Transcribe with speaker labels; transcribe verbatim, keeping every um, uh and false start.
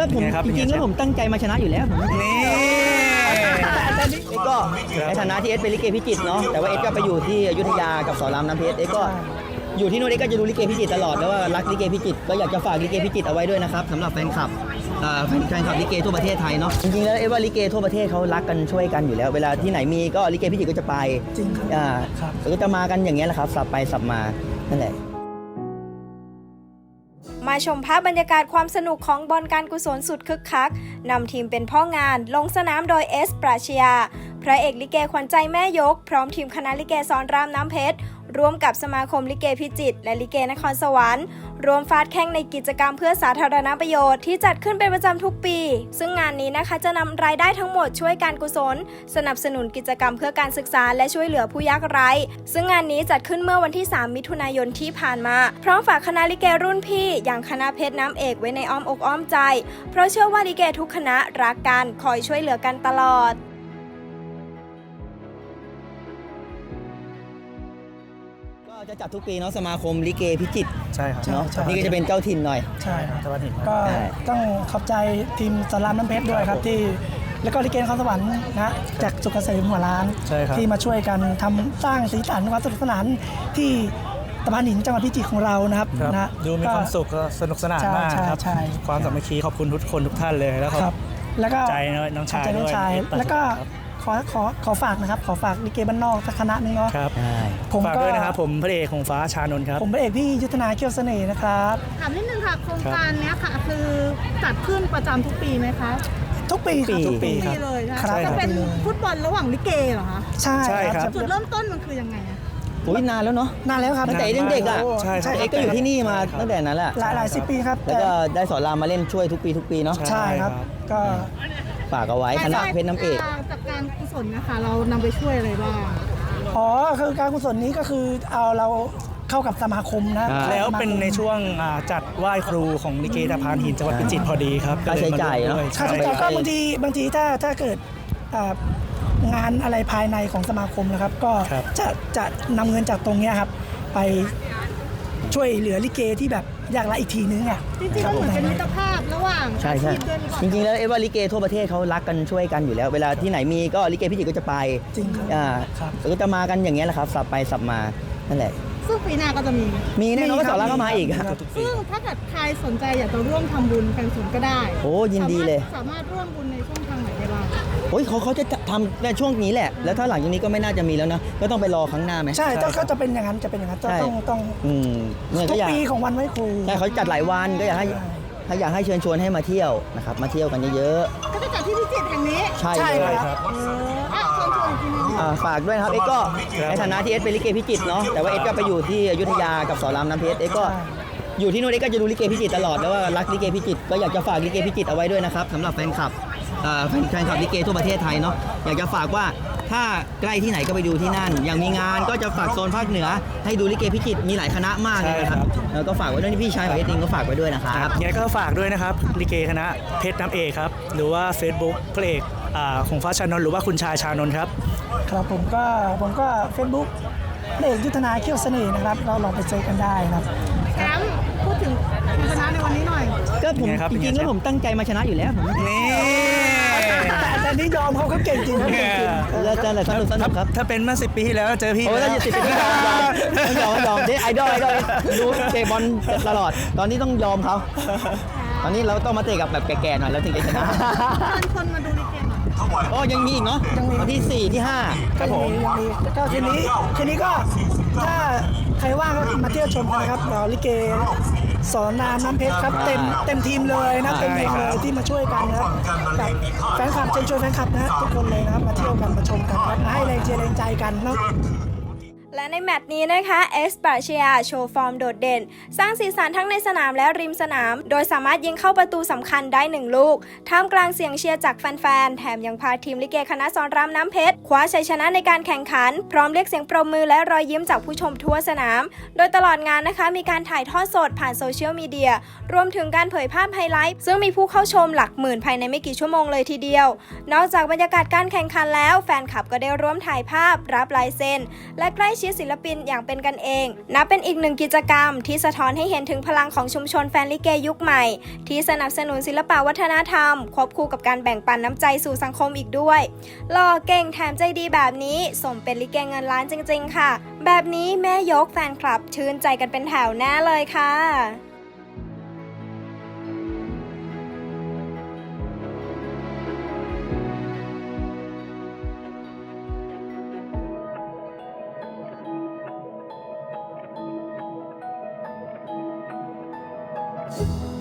Speaker 1: ก็ผมจริงๆแล้วผมตั้งใจมาชนะอยู่แล้วผม
Speaker 2: นี่
Speaker 1: ก็ในฐานะที่เอสเป็นลิเกพิจิตรเนาะแต่ว่าเอสก็ไปอยู่ที่อยุธยากับสอนรามน้ำเพชรเอสก็อยู่ที่นู่นเอสก็จะดูลิเกพิจิตรตลอดแล้วว่ารักลิเกพิจิตรก็อยากจะฝากลิเกพิจิตรเอาไว้ด้วยนะครับสำหรับแฟนคลับแฟนคลับลิเกทั่วประเทศไทยเนาะจริงๆแล้วเอสว่าลิเกทั่วประเทศเขารักกันช่วยกันอยู่แล้วเวลาที่ไหนมีก็ลิเกพิจิตรก็จะไป
Speaker 3: จริงครับ
Speaker 1: อ่าก็จะมากันอย่างเงี้ยแหละครับสับไปสับมานั่นแหละ
Speaker 4: มาชมภาพบรรยากาศความสนุกของบอลการกุศลสุดคึกคักนำทีมเป็นพ่องานลงสนามโดยเอสปราชญาพระเอกลิเกขวัญใจแม่ยกพร้อมทีมคณะลิเกสอนรามน้ำเพชรร่วมกับสมาคมลิเกพิจิตรและลิเกนครสวรรค์รวมฟาดแข่งในกิจกรรมเพื่อสาธารณประโยชน์ที่จัดขึ้นเป็นประจำทุกปีซึ่งงานนี้นะคะจะนำรายได้ทั้งหมดช่วยการกุศลสนับสนุนกิจกรรมเพื่อการศึกษาและช่วยเหลือผู้ยากไร้ซึ่งงานนี้จัดขึ้นเมื่อวันที่สามมิถุนายนที่ผ่านมาพร้อมฝากคณะลิเกรุ่นพี่อย่างคณะเพชรน้ำเอกไว้ในอ้อมอกอ้อมใจเพราะเชื่อว่าลิเกทุกคณะรักกันคอยช่วยเหลือกันตลอด
Speaker 1: จะจัดทุกปีเนาะสมาคมลิเกพิจิตร
Speaker 2: ใช่ครับ
Speaker 1: เนาะนี่ก็จะเป็นเจ้าถิ่นหน่อย
Speaker 3: ใช่ครับ
Speaker 2: เจ้าถิ่น
Speaker 3: ก็ต้องขอบใจทีมสอนรามน้ำเพชรด้วยครับที่แล้วก็ลิเกนครสวรรค์นะจากสุขเกษมหัวร้านที่มาช่วยกันทำสร้างสีสันความสนุกสนานที่ตะพานหินจังหวัดพิจิตรของเรานะครับนะ
Speaker 2: ดูมีความสุขสนุกสนานมากครับความสามัคคีขอบคุณทุกคนทุกท่านเลยแล้วครับ
Speaker 3: แล้วก็
Speaker 2: ใจน้องชายด้วย
Speaker 3: แล้วก็ขอขอขอฝากนะครับขอฝากลิเกบ้านนอกสักคณะนึงเนาะ
Speaker 2: ครับผมฝากด้วยนะครับผมพระเอกของฟ้าชานนท์ครับ
Speaker 3: ผมพระเอกพี่ยุทธนาเขี้ยวเสน่ห์นะครับ
Speaker 5: ถามนิดนึงค่ะโครงการนี้ค่ะคือจัดขึ้นประจำทุกปีไหมคะ
Speaker 3: ทุกปี
Speaker 2: ทุกปี
Speaker 5: เลยนะคะจะเป็นฟุตบอลระหว่างลิเกเหรอคะ
Speaker 3: ใช่ครับ
Speaker 5: จุดเริ่มต้นมันคือยังไงอะ
Speaker 1: โอ้ยนานแล้วเนาะ
Speaker 3: นานแล้วครับ
Speaker 1: ตั้งแต่เด็กๆอ่ะใช่เอ็กก็อยู่ที่นี่มาตั้งแต่นั้นแหละ
Speaker 3: หลายหลายสิบปีครับ
Speaker 1: แล้วก็ได้สอนรามมาเล่นช่วยทุกปีทุกปีเนาะ
Speaker 3: ใช่ครับก็
Speaker 1: ฝากเอาไว้คณะเพชรน้ำเอก
Speaker 5: จากการกุศลนะคะเรานำไปช่วยอะไรบ้าง
Speaker 3: อ๋อคือการกุศลนี้ก็คือเอาเราเข้ากับสมาคมนะ
Speaker 2: แล้วเป็นในช่วงจัดไหว้ครูของลิเกตะพานหินจังหวัดพิจิตรพอดีครับ
Speaker 1: ค่าใช้จ่ายเนาะ
Speaker 3: ค่าใช้จ่ายก็บางทีบางทีถ้าถ้าเกิดงานอะไรภายในของสมาคมนะครับก็จะจะนำเงินจากตรงนี้ครับไปช่วยเหลือลิเกที่แบบยากไร้อีกทีนึงอ่ะ
Speaker 5: จริงๆเหมือนเป็นมิตรภาพระหว่าง
Speaker 1: ใช่ใช่จริงๆแล้วเอว่าลิเกทั่วประเทศเขารักกันช่วยกันอยู่แล้วเวลาที่ไหนมีก็ลิเกพิจิตรก็จะไป
Speaker 3: จริงครับ
Speaker 1: อ่าก็จะมากันอย่างเงี้ยแหละครับสับไปสับมานั่นแหละ
Speaker 5: ซึ่งปีหน้าก็จะมี
Speaker 1: มีแน่นอนก็สอนรามก็มาอีก
Speaker 5: ซึ่งถ้าเกิดใครสนใจอยากจะร่วมทำบุญการกุศลก็ได้
Speaker 1: โอ้ยินดีเลย
Speaker 5: สามารถร่วมบุญในช่องทางไหนได้บ้าง
Speaker 1: โอ้ยเขาเขาจะทำในช่วงนี้แหละแล้วถ้าหลังจากนี้ก็ไม่น่าจะมีแล้วนะก็ต้องไปรอครั้งหน้าไหม
Speaker 3: ใช่ก็จะเป็นอย่างนั้นจะเป็นอย่างนั้นต้องต้องทุกปีของวันไหว้ครู
Speaker 1: ใช่เขาจัดหลายวันก็อยากให้ถ้าอยากให้เชิญชวนให้มาเที่ยวนะครับมาเที่ยวกันเยอะ
Speaker 5: ๆก็จะจัดที่พิจิตรแห่งนี้
Speaker 1: ใช่
Speaker 3: ครับ
Speaker 1: ฝากด้วยนะครับเอ็กก็ในฐานะที่เอสเป็นลิเกพิจิตรเนาะแต่ว่าเอ็กก็ไปอยู่ที่อยุธยากับสอนรามน้ำเพชรเอ็กก็อยู่ที่นู่นเอ็กก็จะดูลิเกพิจิตรตลอดแล้วว่ารักลิเกพิจิตรก็อยากจะฝากลิเกพิจิตรเอาไว้ด้วยนะครับสำหรับแฟนคลับแฟนคลับลิเกทั่วประเทศไทยเนาะอยากจะฝากว่าถ้าใกล้ที่ไหนก็ไปดูที่นั่นอย่างมีงานก็จะฝากโซนภาคเหนือให้ดูลิเกพิจิตรมีหลายคณะมากเลยนะครับแล้วก็ฝากไว้ด้วยนี่พี่ชายของเอสเองก็ฝากไว้ด้วยนะครับ
Speaker 2: ยังไงก็ฝากด้วยนะครับลิเกคณะเพชรน้ำเอกครับหรือว่า Facebook พระเอกของฟ้าชานนท์หรือว่าคุณชายชานนท์ครับ
Speaker 3: ครับผมก็ผมก็ Facebook พระเอกยุทธนาเขี้ยวเสน่ห์นะครับเราลองไปเจอกันได้ครับ
Speaker 5: แชมป์พูดถึงชนะในวันนี้หน่อย
Speaker 1: ก็ผมจริงๆแล้วผมตั้งใจมาชนะอยู่แล้วผม
Speaker 2: นี่
Speaker 3: แต่นี่ยอมเขาเขาเก่งจริงเขาเก่งจริง
Speaker 1: แล้วจะอะไรสนุกสนุกครับ
Speaker 2: ถ้าเป็นเมื่อสิบปีที่แล้วเจอพี่
Speaker 1: โอ้ถ้าสิบปีที่แล้วยอมยอมได้ไอดอลไอดอลดูเตะบอลตลอดตอนนี้ต้องยอมเขาตอนนี้เราต้องมาเตะกับแบบแก่ๆหน่อยแล้วถึงจะชนะ
Speaker 5: คนมาดูลิเกหน่อย
Speaker 1: อ๋อยังมีอีกเนาะวันที่สี่ที่ห้า
Speaker 3: ครับผมก็คืนนี้คืนนี้ก็ถ้าใครว่างก็มาเที่ยวชมกันนะครับเราลิเกสอนรามน้ำเพชรครับเต็มเต็มทีมเลยนะเต็มทีมเลยที่มาช่วยกันนะครับแบบแฟนคลับเชิญชวนแฟนคลับนะทุกคนเลยนะครับมาเที่ยวกันมาชมกันครับมาให้แรงเชียร์แรงใจกันเนาะ
Speaker 4: และในแมตช์นี้นะคะเอสปราชญาโชว์ฟอร์มโดดเด่นสร้างสีสันทั้งในสนามและริมสนามโดยสามารถยิงเข้าประตูสำคัญได้หนึ่งลูกท่ามกลางเสียงเชียร์จากแฟนๆแถมยังพาทีมลิเกคณะสอนรามน้ำเพชรคว้าชัยชนะในการแข่งขันพร้อมเรียกเสียงปรบมือและรอยยิ้มจากผู้ชมทั่วสนามโดยตลอดงานนะคะมีการถ่ายทอดสดผ่านโซเชียลมีเดียรวมถึงการเผยภาพไฮไลท์ซึ่งมีผู้เข้าชมหลักหมื่นภายในไม่กี่ชั่วโมงเลยทีเดียวนอกจากบรรยากาศการแข่งขันแล้วแฟนคลับก็ได้ร่วมถ่ายภาพรับลายเซ็นและใกล้ชิดชิดศิลปินอย่างเป็นกันเองนับเป็นอีกหนึ่งกิจกรรมที่สะท้อนให้เห็นถึงพลังของชุมชนแฟนลิเกยุคใหม่ที่สนับสนุนศิลปวัฒนธรรมควบคู่กับการแบ่งปันน้ำใจสู่สังคมอีกด้วยหล่อเก่งแถมใจดีแบบนี้สมเป็นลิเกเงินล้านจริงๆค่ะแบบนี้แม่ยกแฟนคลับชื่นใจกันเป็นแถวแน่เลยค่ะ
Speaker 6: you